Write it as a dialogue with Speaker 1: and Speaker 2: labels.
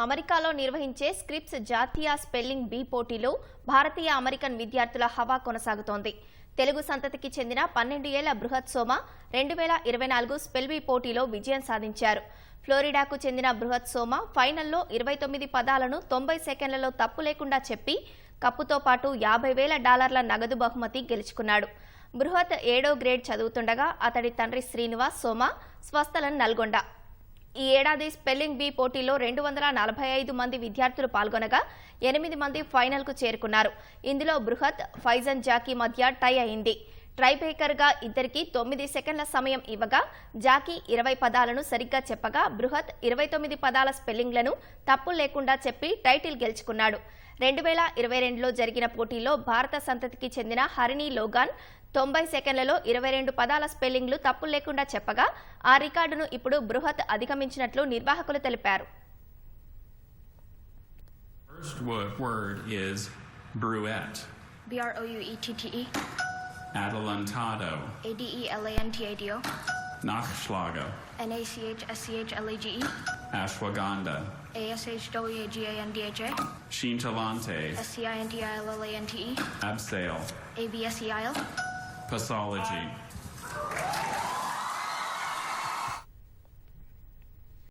Speaker 1: అమెరికాలో నిర్వహించే స్క్రిప్స్ జాతీయ స్పెల్లింగ్ బీ పోటీలో భారతీయ అమెరికన్ విద్యార్థుల హవా కొనసాగుతోంది. తెలుగు సంతతికి చెందిన 12 ఏళ్ల బృహత్ సోమ 2024 స్పెల్ బీ పోటీలో విజయం సాధించారు. ఫ్లోరిడాకు చెందిన బృహత్ సోమ ఫైనల్లో 29 పదాలను 90 సెకండ్లలో తప్పు లేకుండా చెప్పి కప్పుతో పాటు $50,000 నగదు బహుమతి గెలుచుకున్నాడు. బృహత్ 7వ గ్రేడ్ చదువుతుండగా అతడి తండ్రి శ్రీనివాస్ సోమ స్వస్థలం నల్గొండ. ఈ ఏడాది స్పెల్లింగ్ బీ పోటీలో 245 మంది విద్యార్థులు పాల్గొనగా 8 మంది ఫైనల్కు చేరుకున్నారు. ఇందులో బృహత్, ఫైజన్ జాకీ మధ్య టై అయింది. ట్రైబ్రేకర్గా ఇద్దరికి 9 సెకండ్ల సమయం ఇవ్వగా జాకీ 20 పదాలను సరిగ్గా చెప్పగా బృహత్ 29 పదాల స్పెల్లింగ్లను తప్పులు లేకుండా చెప్పి టైటిల్ గెలుచుకున్నాడు. 2022లో జరిగిన పోటీలో భారత సంతతికి చెందిన హరిణి లోగాన్ 90 సెకండ్లలో 22 పదాల స్పెల్లింగ్లు తప్పులు లేకుండా చెప్పగా ఆ రికార్డును ఇప్పుడు బృహత్ అధిగమించినట్లు నిర్వాహకులు తెలిపారు.
Speaker 2: First word is bruette.
Speaker 3: BROUETTE.
Speaker 2: Adelantado.
Speaker 3: ADELANTADO.
Speaker 2: Nachschlager.
Speaker 3: NACHSCHLAGE.
Speaker 2: Ashwagandha.
Speaker 3: ASHWAGANDHA.
Speaker 2: Scintilante.
Speaker 3: SCINTILLANTE.
Speaker 2: Abseil.
Speaker 3: ABSEIL.
Speaker 2: Pathology.